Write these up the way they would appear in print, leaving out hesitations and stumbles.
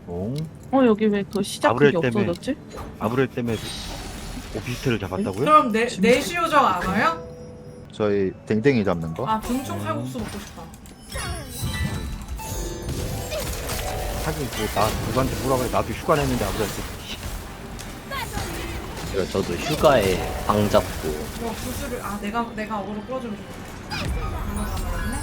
여기 왜 그 시작 아브렐 그게 때문에. 없어졌지? 아브렐 때문에 오피스텔을 잡았다고요? 그럼 내시 요정 안 와요? 저희 댕댕이 잡는 거? 아 등총 칼국수 먹고 싶다. 하긴 뭐나 누구한테 뭐라고 해. 나도 휴가 냈는데 아브렐 때. 그리고 저도 휴가에 방 잡고 뭐 구슬을 내가 어그로 끌어주면 좋겠다. 이거 가버렸네.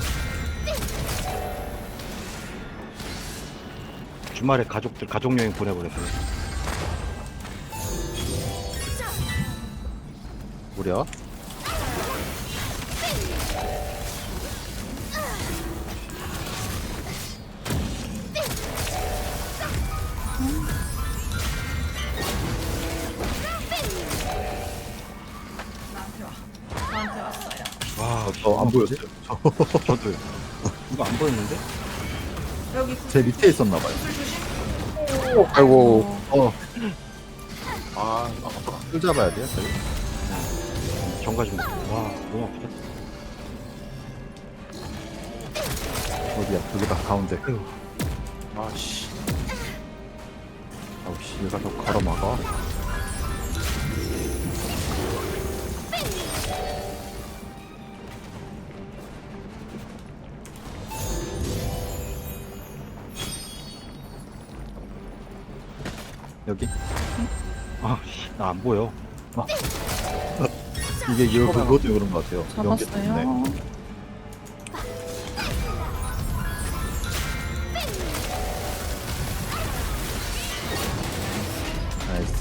주말에 가족 여행 보내버렸어요. 무려 나한테 와. 나한테 왔어요. 와, 안 보였어요. 저도요. 이거 안 보였는데? 여기 제 밑에 있었나 봐요. 구슬 조심. 아이고. 술 잡아야 돼요, 저희? 정가 좀. 와, 너무 아프다. 어디야? 여기다 가운데. 아씨. 아우씨, 얘가 좀 가로막아. 여기? 나 안 보여. 이게 이거 그것도 그런 것 같아요. 연기 잡았어요. 때문에. 나이스.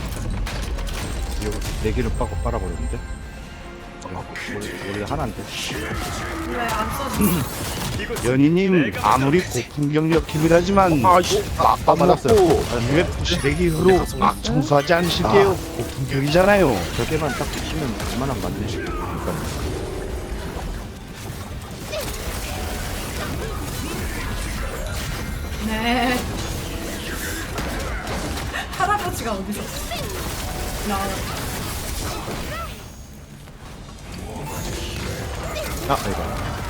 이거 네 개를 빠고 빨아버렸는데? 우리 하나인데. 왜 안 써지? 연희님 아무리 고풍경력 팀이라지만 빡빡 맞았어요. 먹고 왜 부시래기로 막 청소하지 않으실게요. 고풍경이잖아요. 저게만 딱 붙이면 얼마나 맞네. 네. 할아버지가 어디서 나와요? 이거.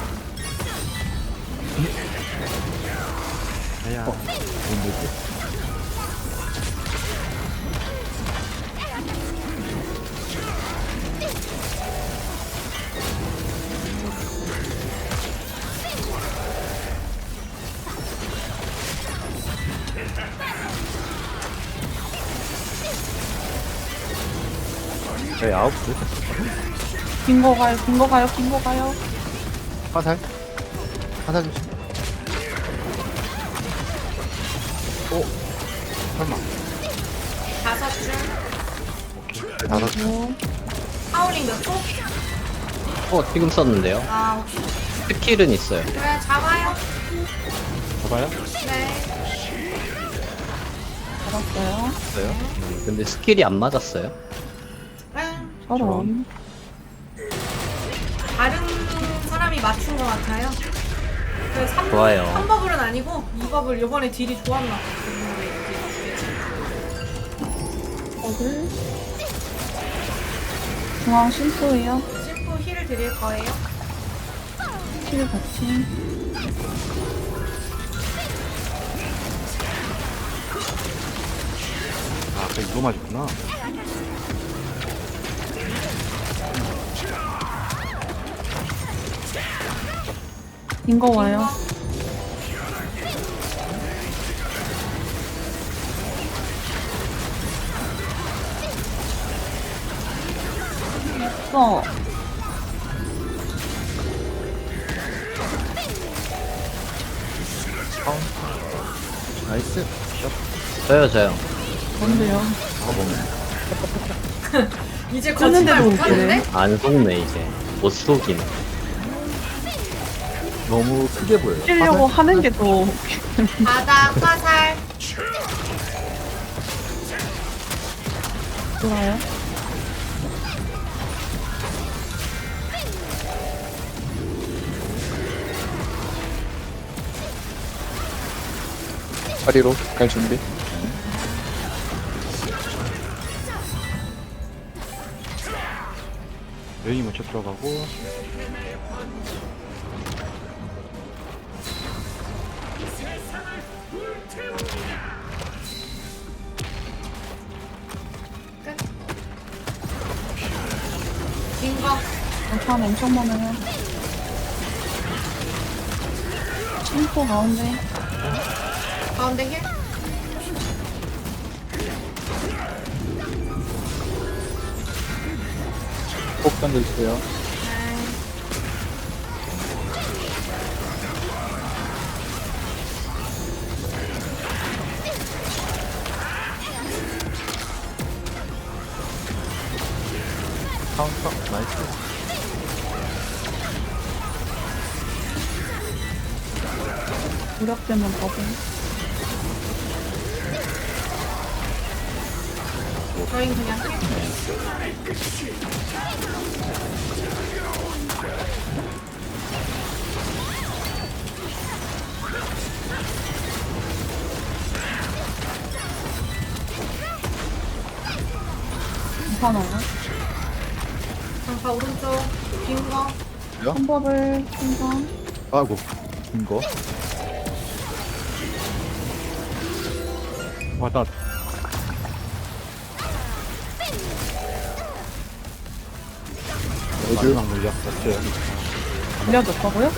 아야. 뭔데? 저희 9시. 긴 거 가요, 긴 거 가요, 긴 거 가요. 화살? 화살 조심. 설마. 5줄. 다섯 줄. 하울링 몇 초? 지금 썼는데요. 아 오케이. 스킬은 있어요. 그래 잡아요. 봐봐요. 네. 잡았어요. 있어요? 근데 스킬이 안 맞았어요. 네. 저런. 다른 사람이 맞춘 것 같아요. 그 3, 좋아요. 3버블은 아니고 2버블 요번에 딜이 좋았나 봐. 버블. 중앙 심포예요. 심포 힐을 드릴 거예요. 킬 같이. 아까 이거 맞았구나. 긴 거 와요. 써. 나이스. 저요. 뭔데요? 이제 쳤는데도 거짓말 웃기네. 못하는데? 안 속네 이제. 못 속이네. 너무 크게 보여요. 치려고 화살? 하는 게 더. 바닥 화살. 좋아요. 자리로 갈 준비. 면이 먼저 들어가고. 사람 엄청 많아요. 심포 가운데. 가운데 힐? 꼭 던져주세요. 네. 카운터 나이스. 무력되면 버블. 저희 그냥 힐? 괜찮아요. 장파 오른쪽 빈 거. 한 버블 생성. 아이고 이거. 와나 마지막 물약 없어요. 밀려줬다고요?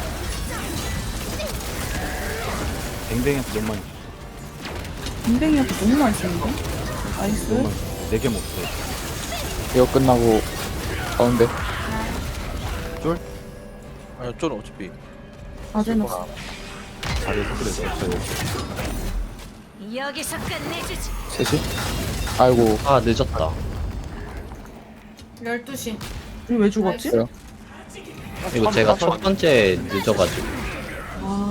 뱅뱅이한테 너무 많이 빈뱅이한테 너무 많이 쓰는데? 나이스. 너무 많이 4개 먹었어요. 이거 끝나고 가운데. 아니 저는 어차피 아재 넣었어. 다리에서 그래서 없어요. 여기서 끝내주지. 3시. 아이고. 아 늦었다. 12시. 우리 왜 죽었지? 그래요? 이거 제가 첫 번째 늦어가지고. 아,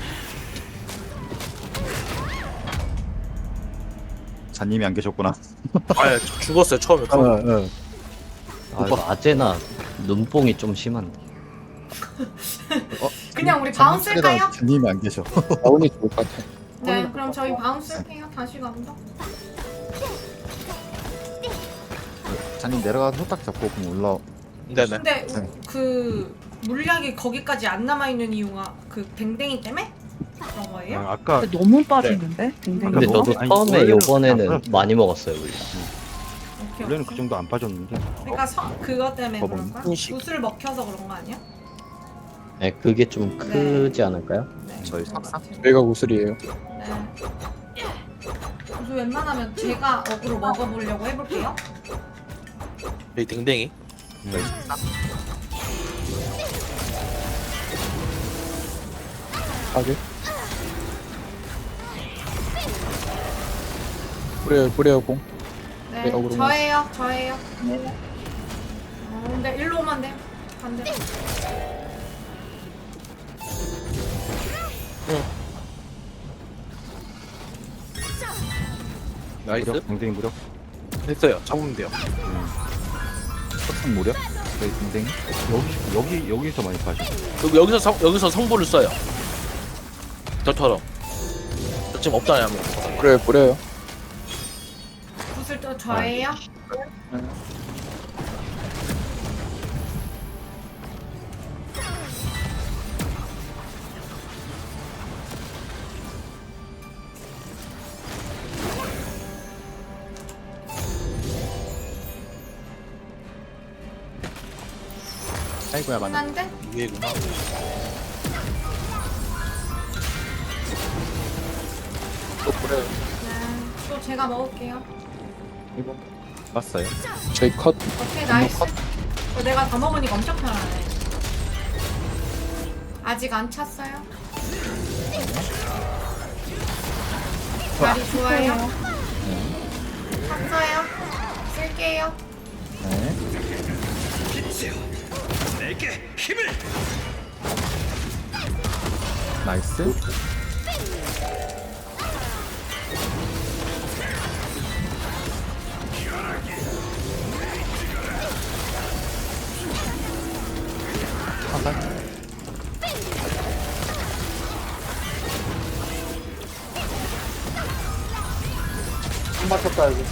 자님이 안 계셨구나. 아예 죽었어요 처음에. 아 이거 아제나 눈뽕이 좀 심한데. 그냥 우리 바운스 할까요? 자님이 안 계셔. 다운이 좋을 것 같아. 네, 그럼 저희 바운스 할게요. 다시 간다. 자님 내려가서 후딱 잡고 그럼 올라. 네네. 근데 그 물약이 거기까지 안 남아 있는 이유가 그 뱅뱅이 때문에 그런 거예요? 아까 근데 너무 빠지는데? 빈뱅이. 근데 뭐? 저도 아니, 처음에 원래는 요번에는 안 많이 먹었어요 물량. 오케이, 원래는 오케이. 그 정도 안 빠졌는데. 그러니까 그것 때문에 버벅. 그런 거야? 인식. 붓을 먹혀서 그런 거 아니야? 네 그게 좀 크지 않을까요? 네. 저희 그런 것 삭삭? 같아요. 저희가 구슬이에요. 네. 그래서 웬만하면 제가 어그로 먹어보려고 해볼게요. 여기 댕댕이. 하게. 뿌려요 공. 네, 네, 어그로 저예요. 네. 근데 일로 오면 돼요. 반대로. 나이스. 무력? 댕댕이 무력? 됐어요. 잡으면 돼요. 석상 무력? 저희 댕댕이? 여기서 많이 빠져. 여기서 성보를 써요. 저처럼. 저 지금 없잖아요. 아무것도. 뿌려요. 붓을 또 저예요. 아이고야 맞네. 끝난데? 위에구나. 또 뿌려요. 네. 또 제가 먹을게요. 이거. 맞어요. 저희 컷. 오케이, 나이스. 내가 다 먹으니까 엄청 편하네. 아직 안 찼어요? 자리 좋아요. 찼어요. 쓸게요. 네. 나이스. 화살. 한 바쳤다 여기.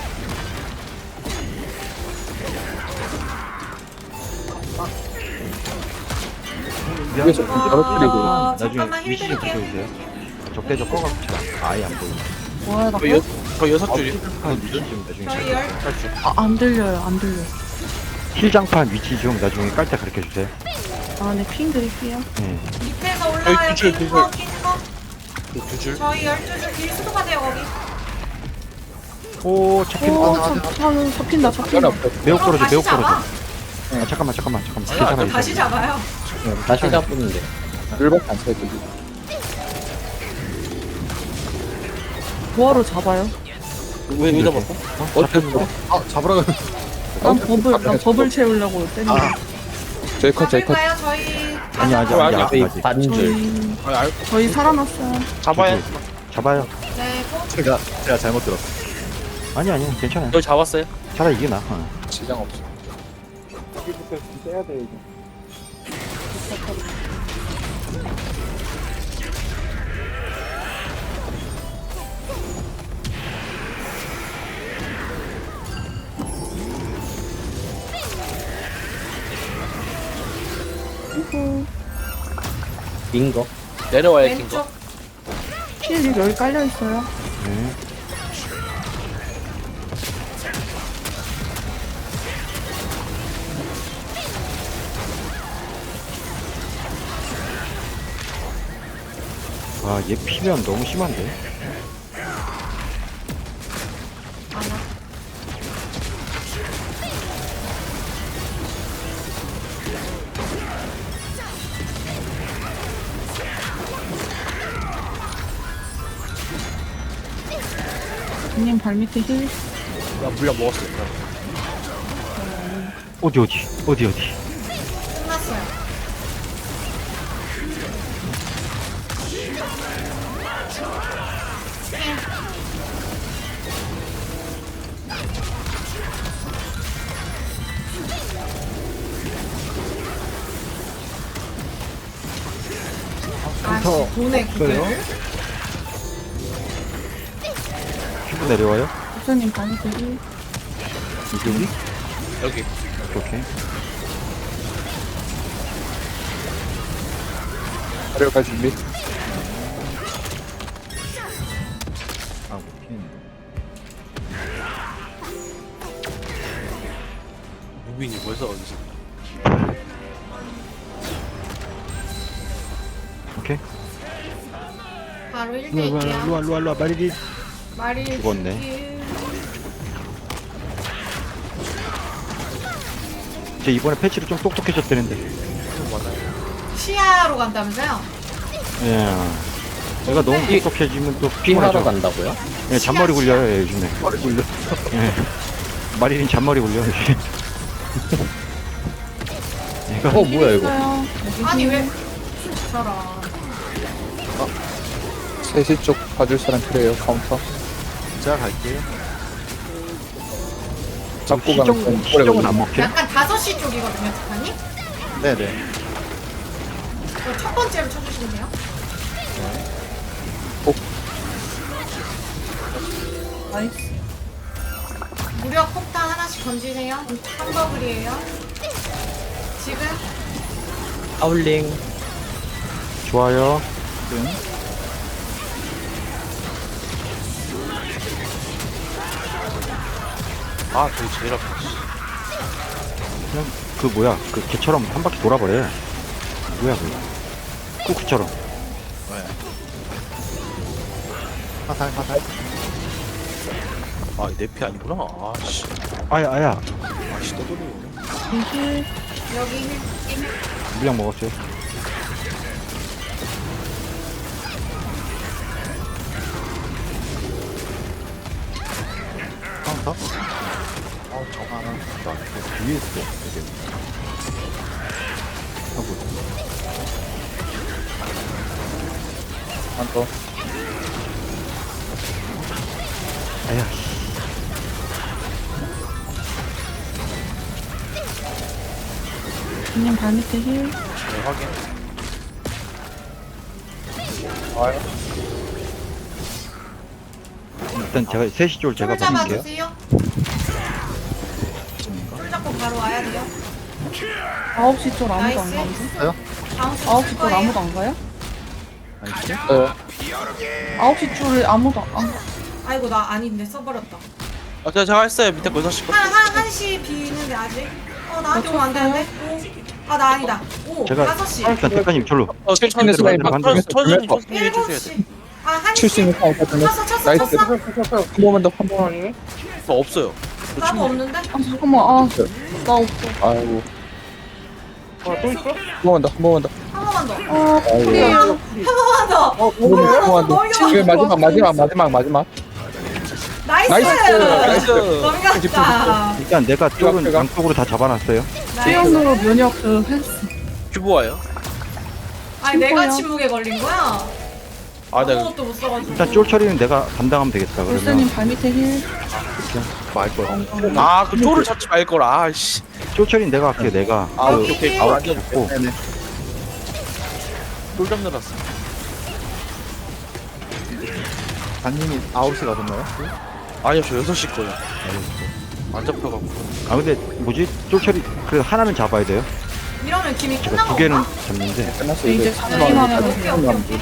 위에서 바로 뿌리고. 나중에 잠깐만 힐 위시 좀 드릴게요. 보여주세요. 적대적 꺼갖고 아예 안 보여. 뭐야, 나 저 6줄이. 지금 나중에 저희 열. 탈출. 안 들려요, 안 들려. 힐장판 위치 좀 나중에 깔 때 가르쳐 주세요. 아, 네, 핑 드릴게요. 네. 밑에서 올라와요. 줄, 낀 줄, 거, 낀 거. 두 줄. 저희 12줄 길수도가 돼요, 거기. 오, 잡힌, 오, 아, 잡힌다, 잡힌다. 매우 떨어져, 매우 다시 잡아. 떨어져. 아, 잠깐만. 괜찮아, 다시 잡아요. 다시 잡는데. 물밖에 안 차요, 저기. 뭐하러 잡아요? 왜 잡았어? 잡혔어. 아, 잡으라고. 난 버블 채우려고 때린 거. 저희 컷, 저희 컷. 잡을까요, 저희? 아직. 반줄. 저희 살아났어요. 잡아야. 잡아요. 네, 꼭. 제가 잘못 들었어. 아니, 괜찮아요. 저 잡았어요. 차라리 이게 나아. 지장 없어. 여기부터 떼야 돼, 이제. 빈 거. 내려와야 왼쪽. 힐 여기 깔려있어요. 네. 아, 얘 피면 너무 심한데? 님 발밑에 힐. 나 물량 먹었어. 어디? 끝났어요. 아, 돈에 구글. 큐브 내려와요? 부처님 발밑에 힐. 여기? 여기. 오케이. 내려갈 준비. 아, 오케이. 무빈이 벌써 어디서? 오케이. 바로 1대1이야. 루아, 마리리. 말이 죽었네. 제 이번에 패치로 좀 똑똑해졌다는데. 시야로 간다면서요? 예. 얘가 너무 똑똑해지면 또 핑하러 피곤하죠. 간다고요? 예, 잔머리 굴려요, 얘 요즘에. 머리 굴려. 예. 마리린 잔머리 굴려, 요즘. 얘가 뭐야 이거? 있어요. 아니 왜 저런. 3시 쪽 봐줄 사람 필요해요, 카운터. 제가 갈게요. 잡고 가면 좀 오래 시정은 걸려. 안 먹혀? 약간 5시 쪽이거든요, 북한이. 네네. 그럼 첫 번째로 쳐주시면 돼요. 나이스. 무력 폭탄 하나씩 던지세요. 한 버블이에요. 지금 하울링. 좋아요. 아, 저기 제일 앞에. 그냥 그 뭐야, 그 개처럼 한 바퀴 돌아버려. 뭐야, 그거. 쿠쿠처럼. 화살. 아, 내 피 아니구나. 아, 씨. 아야. 아, 씨, 떠돌리네. 힐. 여기 힐. 물량 먹었어요. 카운터? 저거 하나. 뒤에 있어. 되게. 하고. 한 더. 아야. 님 발밑에 힐. 네, 확인. 와요. 일단 제가 3시 줄 제가 줄 받을게요. 잡아주세요. 줄 잡고 바로 와야 돼요. 9시 쪽 아무도 안 나이스. 가는데? 다음 주 9시 쓸 쪽 거예요. 아무도 안 가요? 네. 9시 줄을 아무도 안 가. 아이고 나 아닌데 써버렸다. 아, 제가 했어요. 밑에 거 6시 거. 한시 비는데 아직. 나한테 오면 안 되는데. 아, 나 아니다. 오, 제가 5시. 일단 대가님 절로. 칠수 있는 사람이 반대로. 천천히 7시. 아, 1시. 칠수 있는 사람이 쳤어, 쳤어, 나이스. 쳤어. 한 번만 더, 한 번만. 아니네? 없어요. 나도 없는데? 아 잠깐만 나 없어. 아이고. 또 있어? 한 번만 더, 한 번만 더. 한 번만 더. 아이고. 그래요. 한 번만 더. 한 번만 더. 넘겨. 지금 마지막. 나이스. 나이스. 넘겼다. 일단 내가 쪽은 제가. 양쪽으로 다 잡아놨어요. 수영으로 면역 그 횟수. 큐브와요. 아니, 내가 뭐야? 침묵에 걸린 거야? 아, 나 아무것도 못 써가지고. 일단 쫄 처리는 내가 담당하면 되겠다. 볼스님 그러면 발밑에 힐. 아, 그 쪼를 잡지 말 걸. 아, 씨. 쫄 처리는 내가 할게. 내가 아, 그 오케이. 아웃 앉아줄게. 잡고 쫄 잡느랐어 단님이 9시 가셨나요? 아니요, 저 6시 거예요. 안 잡혀갖고. 아 근데 뭐지? 쫄 처리 그 하나는 잡아야 돼요. 이러면 김이 제가 끝난 두 개는 건가? 잡는데 끝났어, 이제 이제. 잡기만 하면 돼요.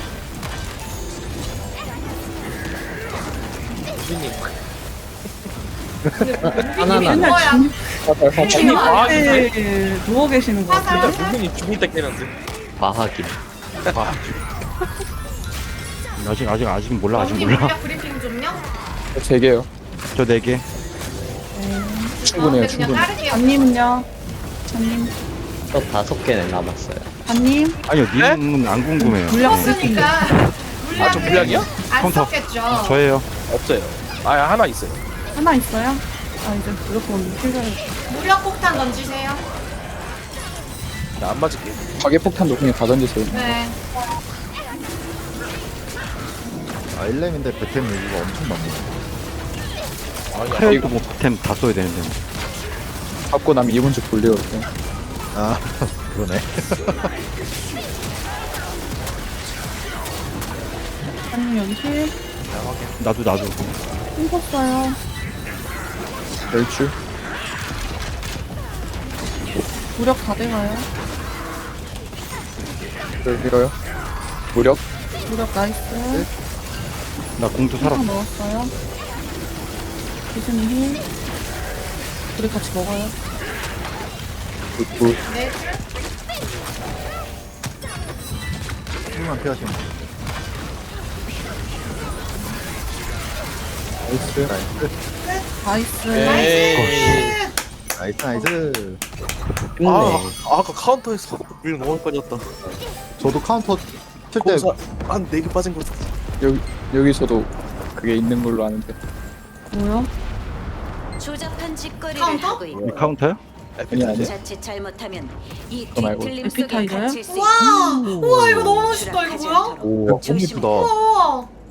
하나나. 맨날 뭐야? 중립 아, 앞에 누워 계시는 거 같아요. 화살. 분명히 죽을 때 깨는데. 과학임. 아직 몰라. 아직 연기 몰라. 물약 브리핑 좀요. 3개요. 저 4개. 충분해요, 그냥 충분해. 따르게요. 반님은요? 반님. 저 5개는 남았어요. 반님. 아니요, 님은 안 궁금해요. 물약 네. 브리핑. 없으니까 저 물약이요? 안 컴퓨터. 썼겠죠. 저예요. 없어요. 아, 하나 있어요. 하나 있어요? 아 이제 무조건 필요해. 무력 폭탄 던지세요. 나 안 맞을게. 가계폭탄도 그냥 다 던지세요. 네. 아 1렘인데 배템 여기가 엄청 많네. 카이도 뭐 템 다 써야 되는데. 뭐. 갖고 나면 2분 쭉 돌려요. 그냥. 아 그러네. 반님 여기 힐. 나도. 힘썼어요. 멸출. 무력 다 돼가요. 밀어요. 무력. 무력 나이스. 나 공도 살아. 하나 넣었어요. 기준이 힐. 우리 같이 먹어요. 굿. 네. 조금만 피하시면 돼요. 나이스. 나이스. 나이스. 나이스. 나이스. 아까 카운터에서 물 너무 빠졌다. 저도 카운터 칠때 공사 한 4개 빠진 거 같아. 여기서도 그게 있는 걸로 아는데. 뭐야? 조잡한 짓거리를 카운터? 하고 있고 이 카운터요? 아니. 자칫 잘못하면 이 그거 말고. 뒤틀림 속에 에피타이저요? 갇힐 수 와, 우와 이거 너무 멋있다. 이거 뭐야? 오, 너무 조심해. 이쁘다. 우와.